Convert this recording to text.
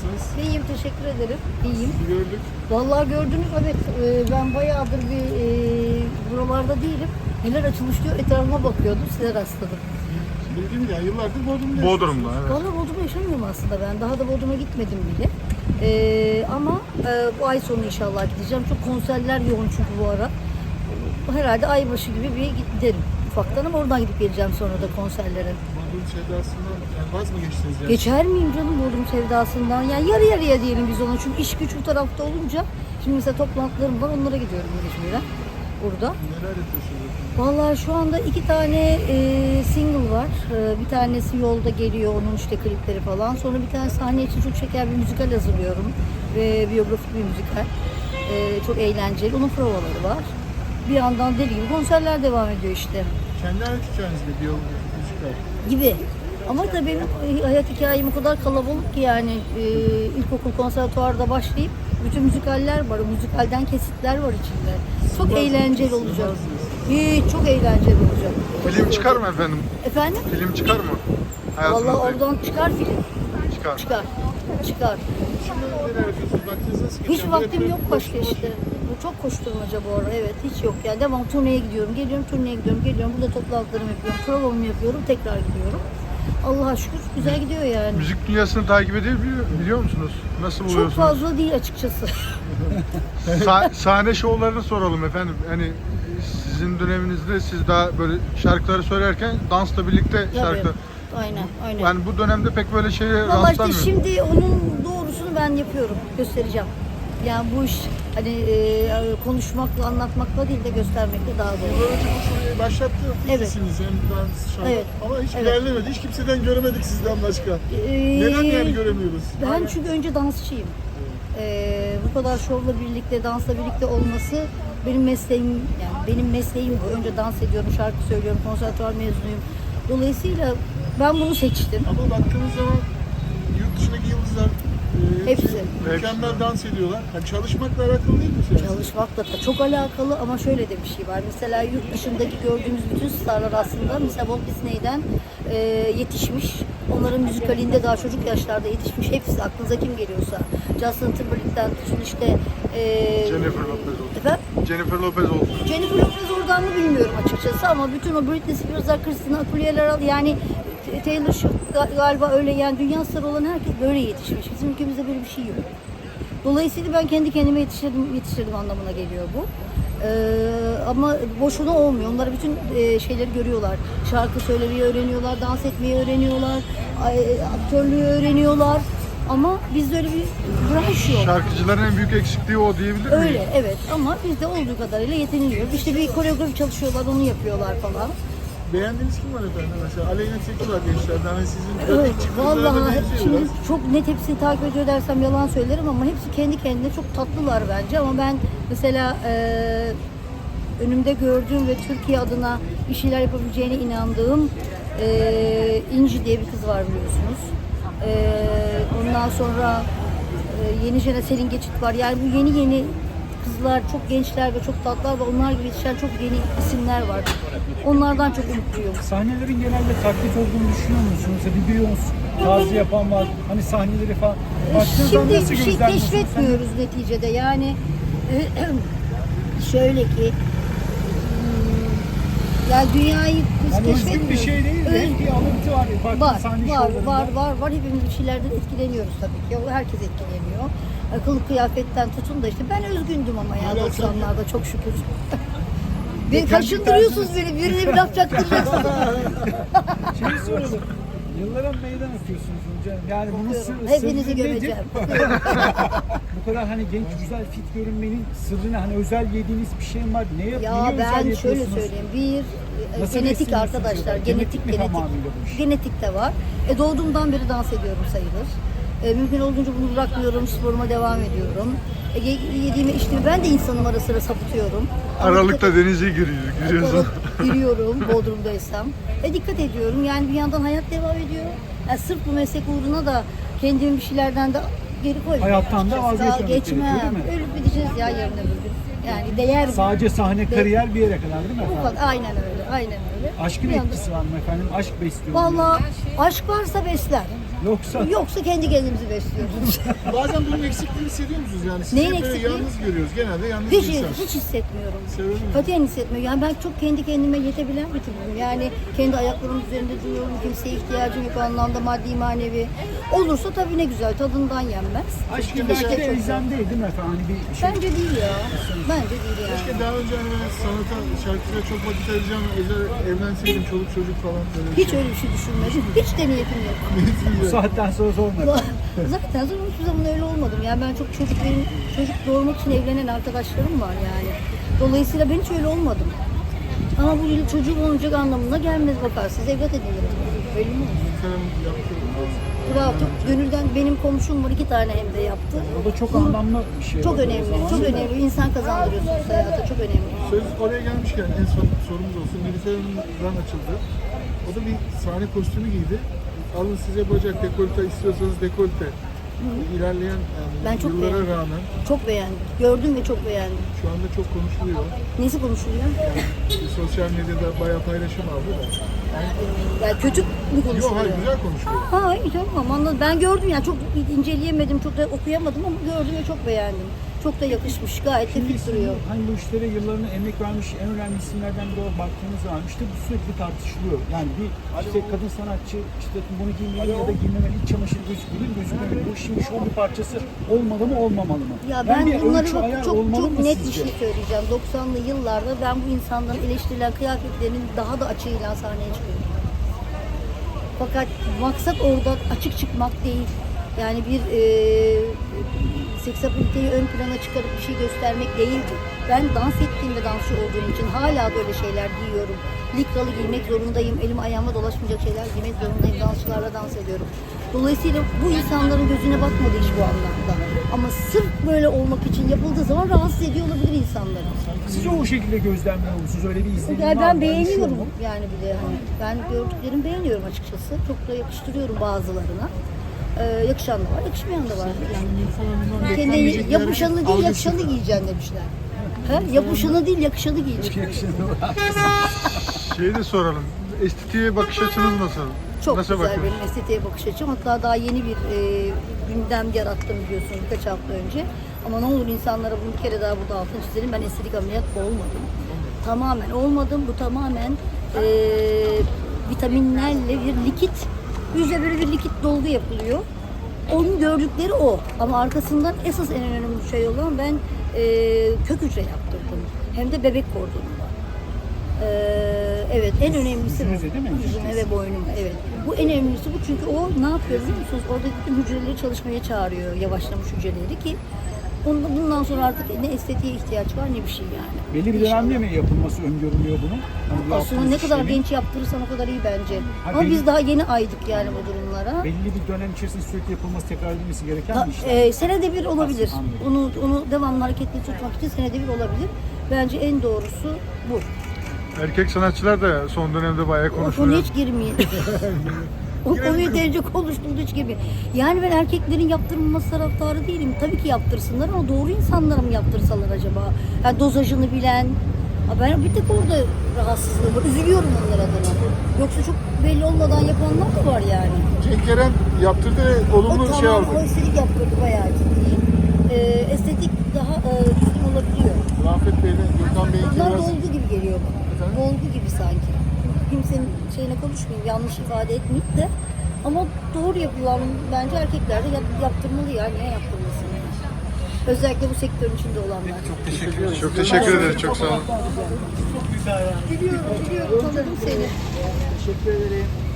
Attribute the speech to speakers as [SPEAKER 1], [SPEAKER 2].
[SPEAKER 1] nasılsınız?
[SPEAKER 2] İyiyim, teşekkür ederim. İyiyim.
[SPEAKER 1] Sizi gördük.
[SPEAKER 2] Vallahi gördünüz, evet. Ben bayağıdır buralarda değilim. Neler açılmış diyor, etrafıma bakıyordum, size rastladım.
[SPEAKER 1] Bildiğim ya, yıllardır Bodrum'da
[SPEAKER 3] Bodrum'da, evet.
[SPEAKER 2] Vallahi Bodrum'da yaşamıyorum aslında ben. Daha da Bodrum'a gitmedim bile. Ama bu ay sonu inşallah gideceğim. Çok konserler yoğun çünkü bu ara. Herhalde aybaşı gibi bir giderim ufaktan ama oradan gidip geleceğim sonra da konserlere.
[SPEAKER 1] Bodrum sevdasından yani vaz mı geçtiniz yani?
[SPEAKER 2] Geçer miyim canım Bodrum sevdasından? Yani yarı yarıya diyelim biz ona. Çünkü iş güç bu tarafta olunca. Şimdi mesela toplantılarım var, onlara gidiyorum mecburen burada.
[SPEAKER 1] Neler yapıyorsunuz efendim?
[SPEAKER 2] Vallahi şu anda 2 tane single var. Bir tanesi yolda geliyor, onun işte klipleri falan. Sonra bir tane sahne için çok şeker bir müzikal hazırlıyorum. Ve biyografik bir müzikal. Çok eğlenceli. Onun provaları var. Bir yandan deli gibi konserler devam ediyor işte.
[SPEAKER 1] Kendi hayat hikayenizde bir yol müzikal.
[SPEAKER 2] Gibi. Ama tabii benim hayat hikayem o kadar kalabalık ki yani ilkokul konservatuvarda başlayıp bütün müzikaller var. O müzikalden kesitler var içinde. Çok eğlenceli olacak. Hiç çok eğlenceli olacak.
[SPEAKER 3] Film çıkar mı efendim?
[SPEAKER 2] Efendim?
[SPEAKER 3] Film çıkar mı?
[SPEAKER 2] Vallahi
[SPEAKER 3] Hayatınızda
[SPEAKER 2] oradan çıkar film.
[SPEAKER 3] çıkar.
[SPEAKER 2] Çıkar. Çıkar.
[SPEAKER 1] Şimdi neler yapıyorsunuz? Vaktiniz nasıl geçiyor?
[SPEAKER 2] Hiç vaktim yok başka işte. Bu çok koşturmaca bu ara. Evet, hiç yok yani. Devam turneye gidiyorum, geliyorum, turneye gidiyorum, geliyorum. Burada toplantılarımı yapıyorum, provamı yapıyorum, tekrar gidiyorum. Allah'a şükür güzel gidiyor yani.
[SPEAKER 3] Müzik dünyasını takip biliyor musunuz? Nasıl
[SPEAKER 2] Çok
[SPEAKER 3] buluyorsunuz?
[SPEAKER 2] fazla değil açıkçası.
[SPEAKER 3] Sahne şovlarını soralım efendim. Hani sizin döneminizde siz daha böyle şarkıları söylerken dansla birlikte şarkı.
[SPEAKER 2] Tabii. Aynen.
[SPEAKER 3] Yani bu dönemde pek böyle şeye
[SPEAKER 2] Vallahi işte
[SPEAKER 3] rastlamıyor.
[SPEAKER 2] şimdi onun doğrusunu ben yapıyorum, göstereceğim. Yani bu iş hani konuşmakla, anlatmakla değil de göstermekle daha doğru.
[SPEAKER 1] Yıllar önce bu şurayı başlattı.
[SPEAKER 2] Evet.
[SPEAKER 1] İkisiniz hem dans, şarkı.
[SPEAKER 2] Evet.
[SPEAKER 1] Ama hiç
[SPEAKER 2] Evet.
[SPEAKER 1] ilerlemedi. Hiç kimseden göremedik sizden başka. Neden yani göremiyoruz?
[SPEAKER 2] Ben çünkü önce dansçıyım. Bu kadar şovla birlikte, dansla birlikte olması benim mesleğim, yani benim mesleğim bu. Önce dans ediyorum, şarkı söylüyorum, konservatuvar mezunuyum. Dolayısıyla ben bunu seçtim.
[SPEAKER 1] Ama baktığımız zaman yurt dışındaki yıldızlar
[SPEAKER 2] Hepsi.
[SPEAKER 1] mükemmel dans ediyorlar. Yani çalışmakla alakalı değil mi? Yani?
[SPEAKER 2] Çalışmakla da çok alakalı ama şöyle de bir şey var. Mesela yurt dışındaki gördüğümüz bütün starlar aslında mesela Walt Disney'den yetişmiş. Onların müzikalinde daha çocuk yaşlarda yetişmiş. Hepsi aklınıza kim geliyorsa. Justin Timberlake'den tutun işte
[SPEAKER 3] Jennifer Lopez olsun.
[SPEAKER 2] efendim?
[SPEAKER 3] Jennifer Lopez olsun.
[SPEAKER 2] Jennifer Lopez oradan mı bilmiyorum açıkçası ama bütün o Britney Spears'lar, Christina Aguilera yani Taylor Swift galiba öyle yani dünya starı olan herkes böyle yetişmiş. Bizim ülkemizde böyle bir şey yok. Dolayısıyla ben kendi kendime yetiştirdim anlamına geliyor bu. Ama boşuna olmuyor. Onlar bütün şeyleri görüyorlar. Şarkı söylemeyi öğreniyorlar, dans etmeyi öğreniyorlar, aktörlüğü öğreniyorlar. Ama bizde öyle bir branş yok.
[SPEAKER 3] Şarkıcıların en büyük eksikliği o diyebilir miyim?
[SPEAKER 2] Öyle, evet ama bizde olduğu kadarıyla yetiniliyor. İşte bir koreografi çalışıyorlar, onu yapıyorlar falan.
[SPEAKER 1] Beğendiğiniz kim var efendim? Mesela Aleyna Tilki var gençlerden. Hani sizin
[SPEAKER 2] Evet,
[SPEAKER 1] ilk çıktığınızda da
[SPEAKER 2] vallahi
[SPEAKER 1] benziyor
[SPEAKER 2] şimdi
[SPEAKER 1] biraz.
[SPEAKER 2] çok net hepsini takip ediyor dersem yalan söylerim ama hepsi kendi kendine çok tatlılar bence ama ben mesela önümde gördüğüm ve Türkiye adına bir şeyler yapabileceğine inandığım İnci diye bir kız var biliyorsunuz. Ondan sonra yeni Selin Geçit var. Yani bu yeni kızlar, çok gençler ve çok tatlılar ve onlar gibi yetişen çok yeni isimler var. Onlardan çok umutluyum.
[SPEAKER 4] Sahnelerin genelde taklit olduğunu düşünüyor musunuz? Bir Beyoncé tarzı yapan var. Hani sahneleri falan. Baktığınız zaman
[SPEAKER 2] Şimdi
[SPEAKER 4] nasıl
[SPEAKER 2] bir şey
[SPEAKER 4] gözlemliyorsunuz?
[SPEAKER 2] keşfetmiyoruz neticede. Yani şöyle ki ya dünyayı biz
[SPEAKER 4] Yani özgün
[SPEAKER 2] keşfetmiyoruz.
[SPEAKER 4] bir şey değil de hep bir alıntı var. Farklı
[SPEAKER 2] Var,
[SPEAKER 4] sahne
[SPEAKER 2] var,
[SPEAKER 4] şovlarında.
[SPEAKER 2] var. Hepimiz bir şeylerden etkileniyoruz tabii ki. Herkes etkileniyor. Kılık kıyafetten tutun da işte ben özgündüm ama ya 90'larda çok şükür. Beni
[SPEAKER 4] Kendi
[SPEAKER 2] kaşındırıyorsunuz beni. Birine bir laf çaktıracaksınız.
[SPEAKER 4] Şeyi soralım. Yıllara meydan okuyorsunuz hocam. Yani bunun
[SPEAKER 2] Hepinizi
[SPEAKER 4] sırrı nedir?
[SPEAKER 2] gömeceğim.
[SPEAKER 4] Bu kadar hani genç, güzel, fit görünmenin sırrı ne? Hani özel yediğiniz bir şey mi var? Ne
[SPEAKER 2] Ya
[SPEAKER 4] özel
[SPEAKER 2] ben şöyle
[SPEAKER 4] yapıyorsunuz?
[SPEAKER 2] söyleyeyim.
[SPEAKER 4] Nasıl
[SPEAKER 2] Genetik
[SPEAKER 4] besleniyorsunuz
[SPEAKER 2] arkadaşlar.
[SPEAKER 4] acaba? Genetik mi tamamıyla bu iş?
[SPEAKER 2] Genetik de var. Doğduğumdan beri dans ediyorum sayılır. Mümkün olduğunca bunu bırakmıyorum. Sporuma devam ediyorum. Yediğime içtiğime ben de insanım ara sıra sapıtıyorum.
[SPEAKER 3] Aralıkta denize giriyorsun.
[SPEAKER 2] Giriyorum Bodrum'daysam. Dikkat ediyorum. Yani bir yandan hayat devam ediyor. Yani sırf bu meslek uğruna da kendimi bir şeylerden de geri koymuyorum.
[SPEAKER 4] Hayattan da vazgeçmemek gerekiyor,
[SPEAKER 2] geçmem.
[SPEAKER 4] değil mi?
[SPEAKER 2] Ölüp gideceğiz ya yarın öbür gün. Yani değer mi?
[SPEAKER 4] Sadece sahne, kariyer bir yere kadar değil mi
[SPEAKER 2] Bu
[SPEAKER 4] efendim?
[SPEAKER 2] kadar. Aynen öyle. Aynen öyle.
[SPEAKER 4] Aşkın
[SPEAKER 2] Bir anda-
[SPEAKER 4] etkisi var mı efendim? Aşk besliyor mu?
[SPEAKER 2] Vallahi aşk varsa besler. Yoksa kendi kendimizi besliyoruz.
[SPEAKER 1] Bazen bunun eksikliğini hissediyor musunuz yani? Sizi
[SPEAKER 2] Neyin
[SPEAKER 1] böyle
[SPEAKER 2] eksikliği?
[SPEAKER 1] yalnız görüyoruz. Genelde yalnız
[SPEAKER 2] Hiç,
[SPEAKER 1] bir insan.
[SPEAKER 2] hiç hissetmiyorum.
[SPEAKER 1] Severim mi?
[SPEAKER 2] Katiyen hissetmiyorum. Yani ben çok kendi kendime yetebilen bir tipim. Yani kendi ayaklarımın üzerinde duruyorum. Kimseye ihtiyacım yok o anlamda, maddi manevi. Olursa tabii ne güzel, tadından yenmez.
[SPEAKER 4] Aşk
[SPEAKER 2] İşte
[SPEAKER 4] belki de
[SPEAKER 2] çok
[SPEAKER 4] elzem değil değil mi efendim? Hani bir şey.
[SPEAKER 2] Bence değil ya. Bence değil yani.
[SPEAKER 1] Keşke daha önce hani ben sanata, şarkıya çok vakit ayıracağım, özel evlenseydim, çoluk çocuk falan böyle.
[SPEAKER 2] Hiç öyle bir şey düşünmedim. Hiç de niyetim yok.
[SPEAKER 4] Bu saatten sonra sormadım.
[SPEAKER 2] Zaten sonra hiçbir zaman öyle olmadım. Yani ben çok çocuk doğurmak için evlenen arkadaşlarım var yani. Dolayısıyla ben hiç öyle olmadım. Ama bu yıl çocuğum olacak anlamına gelmez, bakarsınız evlat edinirim. Öyle mi olur?
[SPEAKER 1] Efendim yaptım.
[SPEAKER 2] Bravo, çok gönülden benim komşum var, 2 tane hem de yaptı.
[SPEAKER 4] O da çok anlamlı bir şey.
[SPEAKER 2] Çok önemli, çok önemli. İnsan kazandırıyorsunuz hayata, çok önemli.
[SPEAKER 1] Söz oraya gelmişken en son sorumuz olsun. Nilüfer Hanım'dan açıldı. O da bir sahne kostümü giydi. Alın size bacak, dekolte istiyorsanız dekolte. İlerleyen
[SPEAKER 2] Ben çok
[SPEAKER 1] yıllara
[SPEAKER 2] beğendim.
[SPEAKER 1] rağmen
[SPEAKER 2] Çok beğendim. Gördüm ve çok beğendim.
[SPEAKER 1] şu anda çok konuşuluyor.
[SPEAKER 2] Nesi konuşuluyor?
[SPEAKER 1] Sosyal medyada bayağı paylaşım aldı da.
[SPEAKER 2] Yani kötü mü
[SPEAKER 1] Yok
[SPEAKER 2] konuşuluyor?
[SPEAKER 1] hayır, güzel konuşuluyor.
[SPEAKER 2] Ha iyi, tamam, anladım. Ben gördüm yani, çok inceleyemedim, çok da okuyamadım ama gördüm ve çok beğendim. Çok da yakışmış, gayet de
[SPEAKER 4] Şimdi
[SPEAKER 2] fit duruyor.
[SPEAKER 4] hani bu işlere yıllarını emek vermiş en önemli isimlerden biri olarak baktığınız zaman işte bu sürekli tartışılıyor. Yani bir işte kadın sanatçı işte bunu giymeli ya da giymemeli, iç çamaşır gözükmeli, gözükmemeli. Bu işin şov bir parçası olmalı mı olmamalı mı?
[SPEAKER 2] Ya
[SPEAKER 4] Yani
[SPEAKER 2] ben
[SPEAKER 4] bir
[SPEAKER 2] bunları
[SPEAKER 4] ölçü,
[SPEAKER 2] bak,
[SPEAKER 4] ayar
[SPEAKER 2] çok
[SPEAKER 4] olmalı
[SPEAKER 2] çok
[SPEAKER 4] mı
[SPEAKER 2] net bir
[SPEAKER 4] sizce?
[SPEAKER 2] şey söyleyeceğim. 90'lı yıllarda ben bu insanların eleştirilen kıyafetlerinin daha da açığıyla sahneye çıkıyorum. Fakat maksat orada açık çıkmak değil. Yani bir seksapiliteyi ön plana çıkarıp bir şey göstermek değildi. Ben dans ettiğim ve dansçı olduğum için hala böyle şeyler giyiyorum. Likralı giymek zorundayım. Elim ayağıma dolaşmayacak şeyler giymek zorundayım. Dansçılarla dans ediyorum. Dolayısıyla bu insanların gözüne batmadı iş bu anlamda. Ama sırf böyle olmak için yapıldığı zaman rahatsız ediyor olabilir insanları.
[SPEAKER 4] Siz o şekilde gözlemliyor musunuz? Öyle bir izlenim
[SPEAKER 2] Yani
[SPEAKER 4] var
[SPEAKER 2] ben
[SPEAKER 4] mı?
[SPEAKER 2] beğeniyorum
[SPEAKER 4] Oluşuyor mu?
[SPEAKER 2] yani, bir de hani ben gördüklerimi beğeniyorum açıkçası. Çok da yakıştırıyorum bazılarına. Yakışan da var, yakışmayan da var.
[SPEAKER 1] Yani Nilüfer Hanım'dan
[SPEAKER 2] Kendi
[SPEAKER 1] beklenmeyecek bir
[SPEAKER 2] yapışanı
[SPEAKER 1] hareket
[SPEAKER 2] değil,
[SPEAKER 1] algısı.
[SPEAKER 2] yakışanı giyeceksin demişler. Ha? Yapışanı değil, yakışanı giyeceksin.
[SPEAKER 3] Şeyi de soralım. Estetiğe bakış açınız nasıl?
[SPEAKER 2] Çok
[SPEAKER 3] nasıl
[SPEAKER 2] güzel
[SPEAKER 3] bakıyorsunuz?
[SPEAKER 2] benim estetiğe bakış açım. Hatta daha yeni bir gündem yarattım biliyorsunuz birkaç hafta önce. Ama ne olur insanlara bunu bir kere daha burada altını çizelim. Ben estetik ameliyat olmadım. Tamamen olmadım. Bu tamamen vitaminlerle bir likit, yüze böyle bir likit dolgu yapılıyor. Onun gördükleri o. Ama arkasından esas en önemli şey olan ben kök hücre yaptırdım. Hem de bebek kordonunda. Evet, en önemlisi bu.
[SPEAKER 4] Yüzünüze değil mi?
[SPEAKER 2] Yüzüme ve boynuma, evet. Bu en önemlisi bu, çünkü o ne yapıyor biliyor musunuz? Oradaki bütün hücreleri çalışmaya çağırıyor, yavaşlamış hücreleri ki bundan sonra artık ne estetiğe ihtiyaç var ne bir şey yani.
[SPEAKER 4] Belli bir
[SPEAKER 2] İnşallah.
[SPEAKER 4] dönemde mi yapılması öngörülüyor bunun? Hani bu
[SPEAKER 2] Aslında
[SPEAKER 4] yaptığınız
[SPEAKER 2] ne kadar
[SPEAKER 4] işlemin
[SPEAKER 2] genç yaptırırsan o kadar iyi bence.
[SPEAKER 4] Ha,
[SPEAKER 2] Ama
[SPEAKER 4] belli-
[SPEAKER 2] biz daha yeni aydık yani bu durumlara.
[SPEAKER 4] belli bir dönem içerisinde sürekli yapılması, tekrar edilmesi gereken bir işlem.
[SPEAKER 2] Senede bir olabilir.
[SPEAKER 4] Anladım.
[SPEAKER 2] Onu devamlı hareketli tutmak için senede bir olabilir. Bence en doğrusu bu.
[SPEAKER 3] Erkek sanatçılar da son dönemde bayağı
[SPEAKER 2] O konuya
[SPEAKER 3] konuşuluyor.
[SPEAKER 2] hiç girmeyin. O konuyu derece konuştuğunda hiç girmeyin. Yani ben erkeklerin yaptırılması taraftarı değilim. Tabii ki yaptırsınlar ama doğru insanlara mı yaptırsalar acaba? Yani dozajını bilen. Ha, ben bir tek orada rahatsızlığım var. Üzülüyorum onlar adına. Yoksa çok belli olmadan yapanlar da var yani.
[SPEAKER 1] Cenk Eren yaptırdı ve olumlu
[SPEAKER 2] O
[SPEAKER 1] şey
[SPEAKER 2] tamam,
[SPEAKER 1] aldı.
[SPEAKER 2] o estetik yaptırdı bayağı ciddi. Estetik daha düzgün olabiliyor.
[SPEAKER 1] Rafet Bey'le Gökhan Bey'in
[SPEAKER 2] Bunlar
[SPEAKER 1] biraz
[SPEAKER 2] dolgu gibi geliyor bana.
[SPEAKER 1] Efendim?
[SPEAKER 2] Dolgu gibi sanki. Kimsenin şeyine konuşmayayım, yanlış ifade etmeyeyim de. Ama doğru yapılan bence erkekler de yaptırmalı ya. Niye yaptırmasın? Özellikle bu sektörün içinde olanlar.
[SPEAKER 3] Çok teşekkür ederiz. Çok sağ olun.
[SPEAKER 4] Çok güzel yani.
[SPEAKER 2] Biliyorum, tanıdım seni.
[SPEAKER 4] Teşekkür ederim.